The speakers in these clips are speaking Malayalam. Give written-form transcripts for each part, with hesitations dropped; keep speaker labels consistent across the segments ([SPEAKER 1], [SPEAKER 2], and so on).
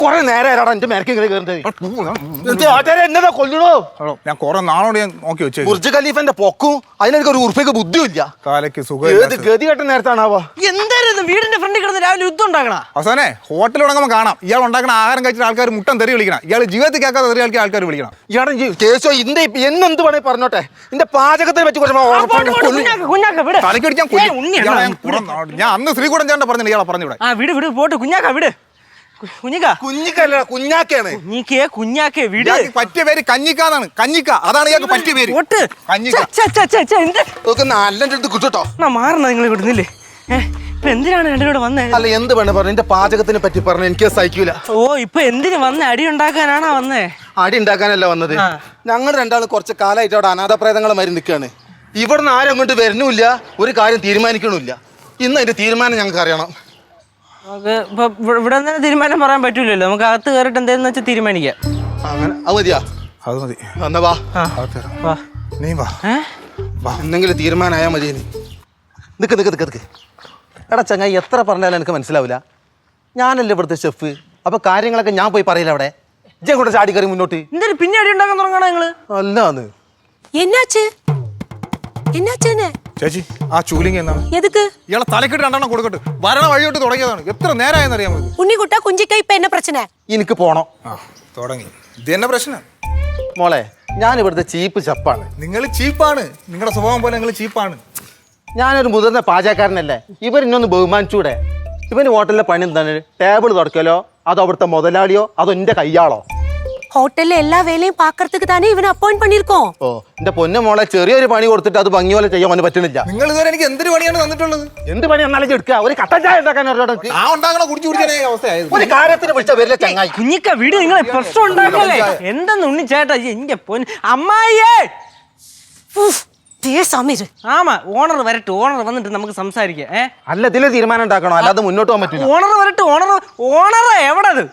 [SPEAKER 1] കൊറേ നേരം എന്റെ മേരക്ക് ഇങ്ങനെ കയറുന്നത് എന്നതാ കൊല്ലണോ?
[SPEAKER 2] ഞാൻ കൊറേ നാളോട് ഞാൻ നോക്കി വെച്ചു.
[SPEAKER 1] ബുർജ് ഖലീഫന്റെ പൊക്കും അതിനെനിക്ക് ഒരു ഉറുപ്പിക്ക് ബുദ്ധിയില്ല.
[SPEAKER 2] കാലയ്ക്ക് സുഖം.
[SPEAKER 1] ഏത് ഗതി കെട്ട നേരത്താണാവോ?
[SPEAKER 3] എന്തായിരുന്നു വീടിന്റെ ഫ്രണ്ടിൽ കിടന്ന് രാവിലെ യുദ്ധം ഉണ്ടാക്കണ?
[SPEAKER 2] അവസാനെ ഹോട്ടൽ തുടങ്ങുമ്പോൾ കാണാം ഇയാൾ ഉണ്ടാക്കുന്ന ആഹാരം കഴിച്ചിട്ട് ആൾക്കാർ മുട്ടൻ തെറി വിളിക്കണം. ഇയാൾ ജീവിതത്തിൽ കേൾക്കാതെ തെറി കളിക്കാൻ ആൾക്കാർ വിളിക്കണം.
[SPEAKER 1] ഇയാളെ കേസോ ഇന്റെ എന്നെന്ത് വേണേ പറഞ്ഞോട്ടെ. എന്റെ പാചകത്തെ പറ്റി
[SPEAKER 2] തലക്കടിക്കാൻ ഞാൻ അന്ന് ശ്രീകുടൻ ചേട്ടൻ പറഞ്ഞില്ല ഇയാളെ പറഞ്ഞു.
[SPEAKER 3] വിട് വിട് പോട്ട് കുഞ്ഞാക്ക വിട്.
[SPEAKER 1] കുഞ്ഞിക്കല്ല കുഞ്ഞാക്കയാണ്.
[SPEAKER 3] കുഞ്ഞാക്കേ വിട്.
[SPEAKER 2] പറ്റിയ പേര് കഞ്ഞിക്കാന്നാണ്. കഞ്ഞിക്ക അതാണ് ഇയാൾക്ക് പറ്റിയ പേര്.
[SPEAKER 1] നല്ല കിട്ടോ
[SPEAKER 3] മാറണ നിങ്ങൾ വിടുന്നില്ലേ? എന്തിനാണ് രണ്ടിനോട് വന്നേ?
[SPEAKER 1] അല്ല എന്ത് വേണേ പറഞ്ഞു. എന്റെ പാചകത്തിനെ പറ്റി പറഞ്ഞു. എനിക്ക് സഹിക്കൂല.
[SPEAKER 3] ഓ ഇപ്പൊ എന്തിനു വന്നേ? അടി ഉണ്ടാക്കാനാണോ വന്നേ?
[SPEAKER 1] അടി ഉണ്ടാക്കാനല്ല വന്നത്. ഞങ്ങൾ രണ്ടാളും കുറച്ച് കാലമായിട്ട് അവിടെ അനാഥപ്രേതങ്ങളെ മാറി നിൽക്കുകയാണ്. ഇവിടുന്ന് ആരും അങ്ങോട്ട് വരുന്നുമില്ല, ഒരു കാര്യം തീരുമാനിക്കണില്ല. ഇന്ന് അതിന്റെ തീരുമാനം ഞങ്ങൾക്ക് അറിയണം.
[SPEAKER 3] ഇവിടെ തന്നെ തീരുമാനം പറയാൻ പറ്റൂലല്ലോ. നമുക്ക് അകത്ത് കയറിട്ട് എന്താന്ന് വെച്ചാൽ തീരുമാനിക്കാം.
[SPEAKER 1] അങ്ങനെ അത് മതിയാ?
[SPEAKER 2] അത് മതി.
[SPEAKER 1] എന്നാ വാ
[SPEAKER 2] നീ വാ.
[SPEAKER 1] എന്തെങ്കിലും തീരുമാനമായാ മതി. നിക്ക് എടാ ചങ്ങായി, എത്ര പറഞ്ഞാലും എനിക്ക് മനസ്സിലാവില്ല. ഞാനല്ലേ ഇവിടുത്തെ ഷെഫ്. അപ്പൊ കാര്യങ്ങളൊക്കെ ഞാൻ പോയി പറയില്ല. അവിടെ ഇജ്ജെ കൂടെ ചാടി കയറി മുന്നോട്ട്.
[SPEAKER 3] എന്തൊരു പിന്നെ അടി ഉണ്ടാക്കാൻ തുടങ്ങണ നിങ്ങള്?
[SPEAKER 1] അല്ലാന്ന്
[SPEAKER 2] ചേച്ചി ആ ചൂലിംഗ് എന്നാണ്? ഇയാളെ തലക്കിട്ട് രണ്ടെണ്ണം കൊടുക്കട്ടെ. വരണ വഴിയോട്ട് തുടങ്ങിയതാണ്. എത്ര നേരമായെന്ന് അറിയാൻ പറ്റും.
[SPEAKER 4] ഉണ്ണിക്കുട്ട കുഞ്ചിക്ക ഇപ്പൊ എന്നെ പ്രശ്ന?
[SPEAKER 1] എനിക്ക് പോണം.
[SPEAKER 2] തുടങ്ങി. ഇത് തന്നെ പ്രശ്നം
[SPEAKER 1] മോളെ. ഞാൻ ഇവിടുത്തെ ചീപ്പ് ചപ്പാണ്.
[SPEAKER 2] നിങ്ങൾ ചീപ്പാണ്. നിങ്ങളുടെ സ്വഭാവം പോലെ നിങ്ങൾ ചീപ്പാണ്.
[SPEAKER 1] ഞാനൊരു മുതിർന്ന പാചകക്കാരനല്ലേ. ഇവരിന്നൊന്ന് ബഹുമാനിച്ചൂടെ? ഇവന് ഹോട്ടലിലെ പണി എന്താണ്? ടേബിൾ തുടക്കലോ അതോ അവിടുത്തെ മുതലാളിയോ അതോ എന്റെ കയ്യാളോ?
[SPEAKER 4] ഹോട്ടലിലെ എല്ലാ വേലയും പാക്കറത്തുക്ക് തന്നെ ഇവനെ അപ്പോയിന്റ് പണിയിരിക്കോ?
[SPEAKER 1] ഓ എന്റെ പൊന്നു മോളെ, ചെറിയൊരു പണി കൊടുത്തിട്ട് അത് ഭംഗി പോലെ ചെയ്യാൻ അവന് പറ്റുന്നില്ല.
[SPEAKER 2] നിങ്ങൾ ഇതുവരെ എനിക്ക് എന്തൊരു പണിയാണ് തന്നിട്ടുള്ളത്?
[SPEAKER 1] എന്ത് പണി എന്നാലും എടുക്കുക. ഒരു കട്ടൻ ചായ ഉണ്ടാക്കാൻ ഒരു കാര്യത്തിന് വിളിച്ച വരില്ല ചങ്ങായി.
[SPEAKER 3] കുഞ്ഞിക്ക വീട് നിങ്ങളെ പ്രശ്നം ഉണ്ടാക്കല്ലേ? എന്തെന്ന് ഉണ്ണി ചേട്ടാ എന്റെ പൊന്ന് അമ്മായിയേ. ആമാ ഓണർ വരട്ടെ. ഓണർ വന്നിട്ട് നമുക്ക് സംസാരിക്കാം.
[SPEAKER 1] അല്ല ഇതില് തീരുമാനം ഉണ്ടാക്കണോ, അല്ലാതെ മുന്നോട്ട് പോകാൻ പറ്റില്ല.
[SPEAKER 3] ഓണർ വരട്ടെ. ഓണർ എവിടത്?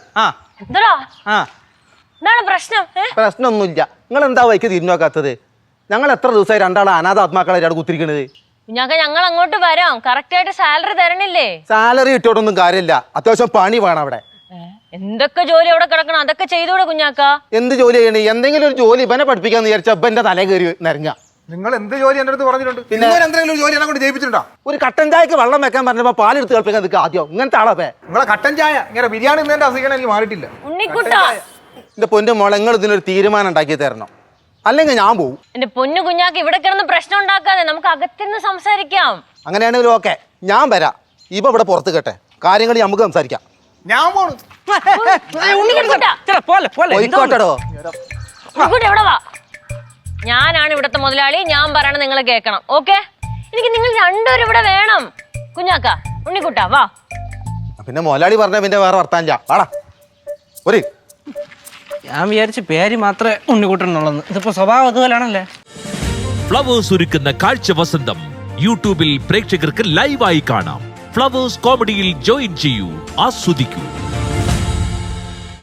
[SPEAKER 1] പ്രശ്നമൊന്നുമില്ല. നിങ്ങൾ എന്താ വൈക്ക് തിരിഞ്ഞോക്കാത്തത്? ഞങ്ങൾ എത്ര ദിവസമായി രണ്ടാളെ അനാഥാത്മാക്കളെ അവിടെ കുത്തിരിക്കണത്?
[SPEAKER 5] ഞങ്ങൾ അങ്ങോട്ട് വരാം. കറക്റ്റ് ആയിട്ട് സാലറി തരണില്ലേ?
[SPEAKER 1] സാലറി കിട്ടിയോട്ടൊന്നും കാര്യമില്ല. അത്യാവശ്യം പണി വേണം അവിടെ.
[SPEAKER 5] എന്തൊക്കെ ജോലി അവിടെ കിടക്കണം, അതൊക്കെ ചെയ്തൂടെ കുഞ്ഞാക്ക?
[SPEAKER 1] എന്ത് ജോലി ചെയ്യണേ? എന്തെങ്കിലും ഒരു ജോലി ഇവനെ പഠിപ്പിക്കാന്ന് വിചാരിച്ച ഇവന്റെ തലേ കയറി നിരങ്ങ.
[SPEAKER 2] നിങ്ങൾ എന്ത് ജോലി എന്റെ അടുത്ത് പറഞ്ഞിട്ടുണ്ട്? പിന്നെ എന്തെങ്കിലും ജോലി എന്നെ കൊണ്ട് ചെയ്യിപ്പിച്ചിട്ടുണ്ടോ?
[SPEAKER 1] ഒരു കട്ടൻ ചായക്ക് വെള്ളം വെക്കാൻ പറഞ്ഞപ്പോ പാലെടുത്ത് കളിപ്പിക്കാൻ നിൽക്കുക. ആദ്യം ഇങ്ങനത്തെ ആളെ
[SPEAKER 2] നിങ്ങളെ കട്ടൻ ചായ ഇങ്ങനെ ബിരിയാണി എന്നെ അസുഖം എനിക്ക് മാറിയിട്ടില്ല.
[SPEAKER 1] എന്റെ പൊന്നു മോളെ, നിങ്ങൾ ഇതിനൊരു തീരുമാനം ഉണ്ടാക്കി തരണം, അല്ലെങ്കിൽ ഞാൻ പോവും.
[SPEAKER 5] എന്റെ പൊന്നു കുഞ്ഞാക്ക് ഇവിടെ കിടന്ന് പ്രശ്നം ഉണ്ടാക്കാതെ നമുക്ക് അകത്തിരുന്ന് സംസാരിക്കാം.
[SPEAKER 1] അങ്ങനെയാണെങ്കിലും ഓക്കെ, ഞാൻ വരാം. ഇപ്പൊ ഇവിടെ പുറത്ത് കേട്ടെ കാര്യങ്ങൾ നമുക്ക് സംസാരിക്കാം.
[SPEAKER 2] ഞാൻ പോണു.
[SPEAKER 5] ഞാനാണ് ഇവിടത്തെ മുതലാളി. ഞാൻ പറയണ നിങ്ങൾ കേൾക്കണം. ഓക്കെ? എനിക്ക് നിങ്ങൾ രണ്ടുപേരും ഇവിടെ വേണം. കുഞ്ഞാക്ക, ഉണ്ണിക്കുട്ടാ വാ.
[SPEAKER 1] പിന്നെ മുതലാളി പറഞ്ഞ പിന്നെ വേറെ വർത്താനില്ല. വാടാ ഒരു.
[SPEAKER 3] ഞാൻ വിചാരിച്ച പേര് മാത്രമേ ഉണ്ണിക്കുട്ടനുള്ളൂ. ഇതിപ്പോ സ്വഭാവം അതുപോലാണല്ലേ.
[SPEAKER 6] ഫ്ലവേഴ്സ് ഒരുക്കുന്ന കാഴ്ച വസന്തം യൂട്യൂബിൽ പ്രേക്ഷകർക്ക് ലൈവായി കാണാം. ഫ്ലവേഴ്സ് കോമഡിയിൽ ജോയിൻ ചെയ്യൂ, ആസ്വദിക്കൂ.